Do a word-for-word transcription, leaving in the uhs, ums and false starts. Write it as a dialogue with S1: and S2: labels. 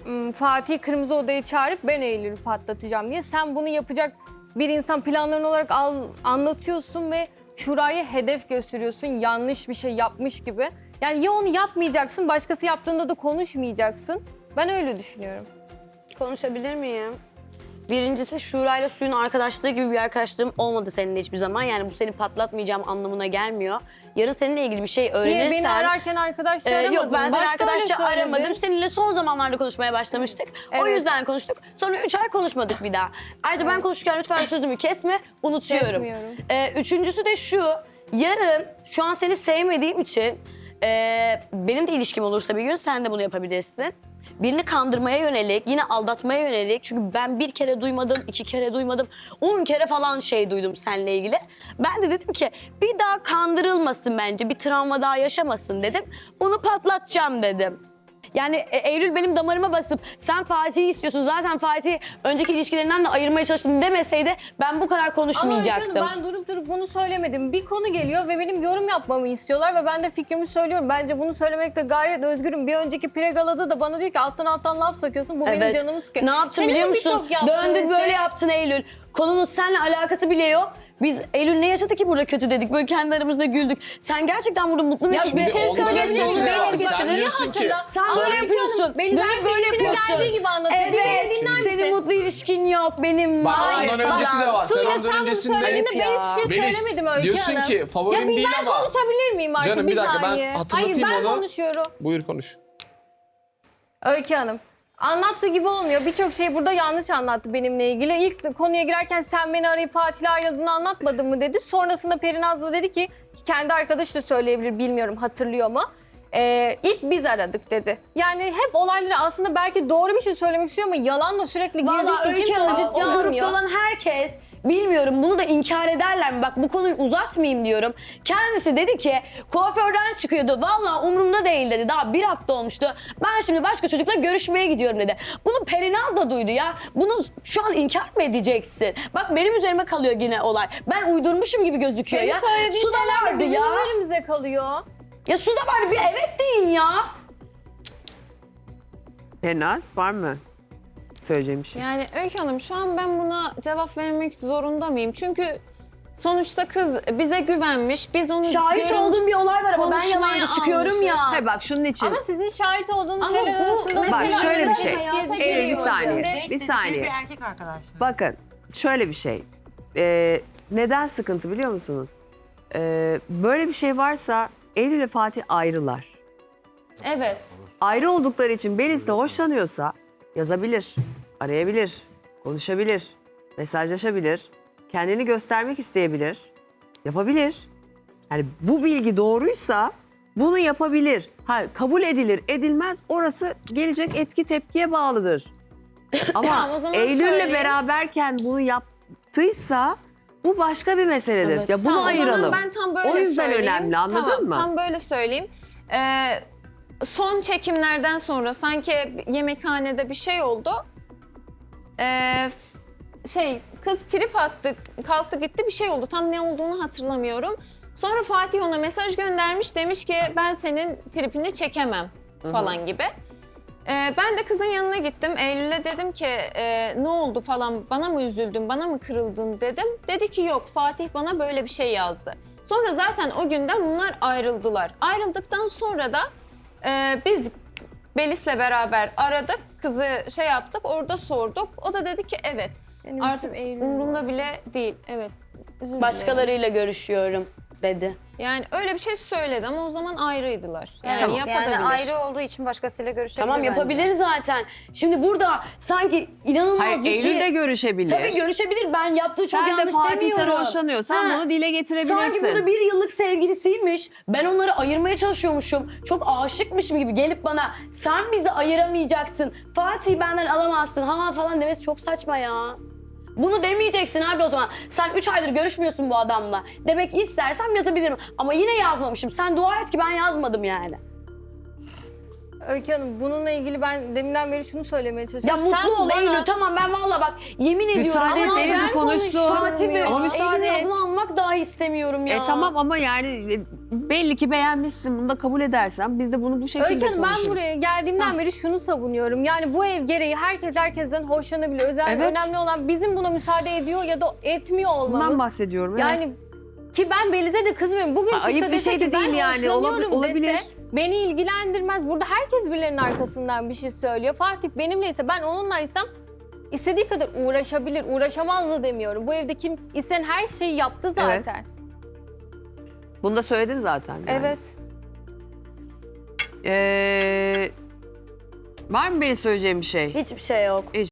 S1: ım, Fatih Kırmızı Oda'yı çağırıp ben Eylül'ü patlatacağım diye. Sen bunu yapacak bir insan planların olarak al, anlatıyorsun ve Şura'ya hedef gösteriyorsun. Yanlış bir şey yapmış gibi. Yani ya onu yapmayacaksın, başkası yaptığında da konuşmayacaksın. Ben öyle düşünüyorum.
S2: Konuşabilir miyim? Birincisi Şura'yla Suyun arkadaşlığı gibi bir arkadaşlığım olmadı seninle hiçbir zaman. Yani bu seni patlatmayacağım anlamına gelmiyor. Yarın seninle ilgili bir şey öğrenirsen...
S1: Niye beni ararken arkadaşça
S2: Ee,
S1: aramadın?
S2: yok ben seni
S1: Başta öyle
S2: arkadaşça
S1: söyledin.
S2: aramadım. Seninle son zamanlarda konuşmaya başlamıştık. O
S1: Evet.
S2: yüzden konuştuk. Sonra üç ay konuşmadık bir daha. Ayrıca ben konuşurken lütfen sözümü kesme. Unutuyorum.
S1: Kesmiyorum.
S2: Ee, üçüncüsü de şu. Yarın şu an seni sevmediğim için e, benim de ilişkim olursa bir gün sen de bunu yapabilirsin. Birini kandırmaya yönelik, yine aldatmaya yönelik. Çünkü ben bir kere duymadım, iki kere duymadım, on kere falan şey duydum seninle ilgili. Ben de dedim ki bir daha kandırılmasın bence, bir travma daha yaşamasın dedim. Bunu patlatacağım dedim. Yani e, Eylül benim damarıma basıp sen Fatih'i istiyorsun, zaten Fatih'i önceki ilişkilerinden de ayırmaya çalıştım demeseydi ben bu kadar
S1: Ama
S2: konuşmayacaktım.
S1: canım ben durup durup bunu söylemedim. Bir konu geliyor ve benim yorum yapmamı istiyorlar ve ben de fikrimi söylüyorum. Bence bunu söylemekte gayet özgürüm. Bir önceki Pregala'da da bana diyor ki alttan alttan laf sokuyorsun. Bu benim
S2: Evet.
S1: canımı sıkıyor.
S2: Ne yaptın
S1: Senin
S2: biliyor
S1: de
S2: musun?
S1: birçok yaptığın
S2: Döndün böyle
S1: şey-
S2: yaptın Eylül. Konunun seninle alakası bile yok. Biz Eylül ne yaşadı ki burada kötü dedik. Böyle kendi aramızda güldük. Sen gerçekten burada mutlu
S1: Ya
S2: musun?
S1: bir şey
S3: onların
S1: söyleyebilir
S3: öncesi
S1: miyim?
S3: de var.
S1: Benim
S3: Sen
S1: fikrini
S3: diyorsun ki-
S1: hatırla.
S2: Sen
S1: Ama
S2: böyle
S1: Öykü
S2: yapıyorsun.
S1: Hanım, Beliz
S2: Dönüp
S1: her
S2: böyle
S1: şey işinin
S2: yapıyorsun.
S1: geldiği gibi anlatıyor. Bir kere
S2: Evet.
S1: dinler misin?
S2: Senin mutlu ilişkin yok. Benim
S3: Bak,
S2: var.
S3: ondan
S1: Bak,
S3: öncesi de var. Sen
S1: Suyla
S3: ondan
S1: sen bunu
S3: öncesinde-
S1: söylediğinde ben
S2: Ya.
S1: hiçbir şey
S3: Melis,
S1: söylemedim Öykü
S3: diyorsun
S1: Hanım.
S3: ki favorim
S1: ya bir
S3: değil
S1: ben
S3: ama-
S1: konuşabilir miyim artık
S3: Canım,
S1: bir
S3: bir dakika, ben
S1: saniye?
S3: hatırlatayım
S1: Hayır ben
S3: onu.
S1: konuşuyorum.
S3: Buyur konuş.
S1: Öykü Hanım. Anlattığı gibi olmuyor. Birçok şeyi burada yanlış anlattı benimle ilgili. İlk konuya girerken sen beni arayıp Fatih'le ayrıldığını anlatmadın mı dedi. Sonrasında Perinaz da dedi ki kendi arkadaşı da söyleyebilir bilmiyorum hatırlıyor mu? Ee, ilk biz aradık dedi. Yani hep olayları aslında belki doğru bir şey söylemek istiyor ama yalanla sürekli girdiği
S2: Vallahi
S1: için
S2: Öykü
S1: kimse
S2: Hanım,
S1: onu
S2: o
S1: ciddiye
S2: grupta
S1: almıyor.
S2: olan herkes bilmiyorum bunu da inkar ederler mi? Bak bu konuyu uzatmayayım diyorum. Kendisi dedi ki kuaförden çıkıyordu. Vallahi umurumda değil dedi. Daha bir hafta olmuştu. Ben şimdi başka çocukla görüşmeye gidiyorum dedi. Bunu Perinaz da duydu ya. Bunu şu an inkar mı edeceksin? Bak benim üzerime kalıyor yine olay. Ben uydurmuşum gibi gözüküyor
S1: Senin
S2: ya.
S1: söylediğin
S2: Su da
S1: şeyler de
S2: vardı
S1: bizim
S2: ya.
S1: üzerimize kalıyor.
S2: Ya su da vardı bir evet deyin ya.
S4: Perinaz var mı söyleyeceğim bir şey?
S5: Yani Öykü Hanım şu an ben buna cevap vermek zorunda mıyım? Çünkü sonuçta kız bize güvenmiş. Biz onu
S2: Şahit
S5: görüntü-
S2: olduğum bir olay var ama ben
S5: konuşmaya
S2: yalancı çıkıyorum
S5: almışız.
S2: ya.
S4: Hayır bak şunun için.
S1: Ama sizin şahit olduğunuz
S5: Ama
S1: şeyler
S5: bu
S1: arasında
S5: mesela
S1: mesela
S4: şöyle bir
S1: özel
S4: şey.
S1: ilişkiye
S5: Hayata
S1: düşüyor.
S4: Eylül bir
S5: giriyor
S4: saniye.
S5: şimdi.
S4: Bir saniye.
S6: Bir erkek arkadaşlar.
S4: Bakın şöyle bir şey. Ee, neden sıkıntı biliyor musunuz? Ee, böyle bir şey varsa Eylül ile Fatih ayrılar.
S5: Evet.
S4: Ayrı oldukları için Melis de hoşlanıyorsa yazabilir, arayabilir, konuşabilir, mesajlaşabilir, kendini göstermek isteyebilir, yapabilir. Yani bu bilgi doğruysa bunu yapabilir. Ha, kabul edilir, edilmez orası gelecek etki tepkiye bağlıdır. Ama
S5: Tamam, o zaman
S4: Eylül'le
S5: söyleyeyim.
S4: beraberken bunu yaptıysa bu başka bir meseledir.
S2: Evet.
S4: Ya bunu
S5: Tamam, o zaman
S4: ayıralım.
S5: ben tam böyle
S4: O yüzden
S5: söyleyeyim.
S4: önemli, anladın
S5: Tamam,
S4: mı?
S5: Tam böyle söyleyeyim. Ee, son çekimlerden sonra sanki yemekhanede bir şey oldu. Ee, şey kız trip attı, kalktı gitti bir şey oldu. Tam ne olduğunu hatırlamıyorum. Sonra Fatih ona mesaj göndermiş. Demiş ki ben senin tripini çekemem falan gibi. Ee, ben de kızın yanına gittim. Eylül'e dedim ki e, ne oldu falan bana mı üzüldün, bana mı kırıldın dedim. Dedi ki yok Fatih bana böyle bir şey yazdı. Sonra zaten o günden bunlar ayrıldılar. Ayrıldıktan sonra da e, biz Belis'le beraber aradık. Kızı şey yaptık orada sorduk. O da dedi ki evet
S1: Benim
S5: artık
S1: ismim Eylül.
S5: umurumda bile değil. Evet. Özür dilerim.
S2: Başkalarıyla görüşüyorum dedi.
S5: Yani öyle bir şey söyledi ama o zaman ayrıydılar. Yani
S7: Yani,
S5: yapabilir.
S7: yani ayrı olduğu için başkasıyla görüşebilir
S2: Tamam
S7: bence.
S2: yapabilir zaten. Şimdi burada sanki inanılmaz
S4: Hayır,
S2: ciddi...
S4: Eylül de görüşebilir.
S2: Tabii görüşebilir. Ben yaptığı çok
S4: Sen de
S2: yanlış
S4: Fatih'ten
S2: demiyorum.
S4: hoşlanıyorsan
S2: Ha,
S4: bunu dile getirebilirsin.
S2: Sanki burada bir yıllık sevgilisiymiş. Ben onları ayırmaya çalışıyormuşum. Çok aşıkmışım gibi gelip bana sen bizi ayıramayacaksın. Fatih'i benden alamazsın ha falan demesi çok saçma ya. Bunu demeyeceksin abi o zaman. Sen üç aydır görüşmüyorsun bu adamla. Demek istersem yazabilirim. Ama yine yazmamışım. Sen dua et ki ben yazmadım yani.
S1: Öykü Hanım bununla ilgili ben deminden beri şunu söylemeye
S2: Ya
S1: çalışıyorum.
S2: mutlu
S1: Sen
S2: ol
S1: bana-
S2: Eylül tamam ben valla bak yemin ediyorum.
S4: Müsaade et
S2: ama
S4: Eylül
S1: ben
S4: konuşsun.
S1: konuşuyorum
S2: Fatih ve
S1: ya.
S4: Ama müsaade
S2: Eylül'ün
S4: et.
S2: adını almak dahi istemiyorum ya.
S4: E tamam ama yani e, belli ki beğenmişsin. Bunu da kabul edersen biz de bunu bu şekilde
S1: Öykü Hanım ben
S4: konuşuruz.
S1: buraya geldiğimden beri şunu savunuyorum. Yani bu ev gereği herkes herkesten hoşlanabilir. Özellikle
S4: Evet.
S1: önemli olan bizim buna müsaade ediyor ya da etmiyor olmamız.
S4: Bundan bahsediyorum.
S1: Yani
S4: evet.
S1: ki ben Beliz'e de kızmıyorum. Bugün
S4: Ha,
S1: çıksa
S4: ayıp bir
S1: dese
S4: şey de
S1: ki ben
S4: değil yani.
S1: hoşlanıyorum
S4: Olab- olabilir.
S1: dese beni ilgilendirmez. Burada herkes birilerinin arkasından bir şey söylüyor. Fatih benimleyse ben onunlaysam istediği kadar uğraşabilir. Uğraşamaz da demiyorum. Bu evde kim isteyen her şeyi yaptı zaten.
S4: Bunu da söyledin zaten. yani.
S1: Evet.
S4: Ee, var mı benim söyleyeceğim bir şey?
S2: Hiçbir şey yok.
S4: Hiçbir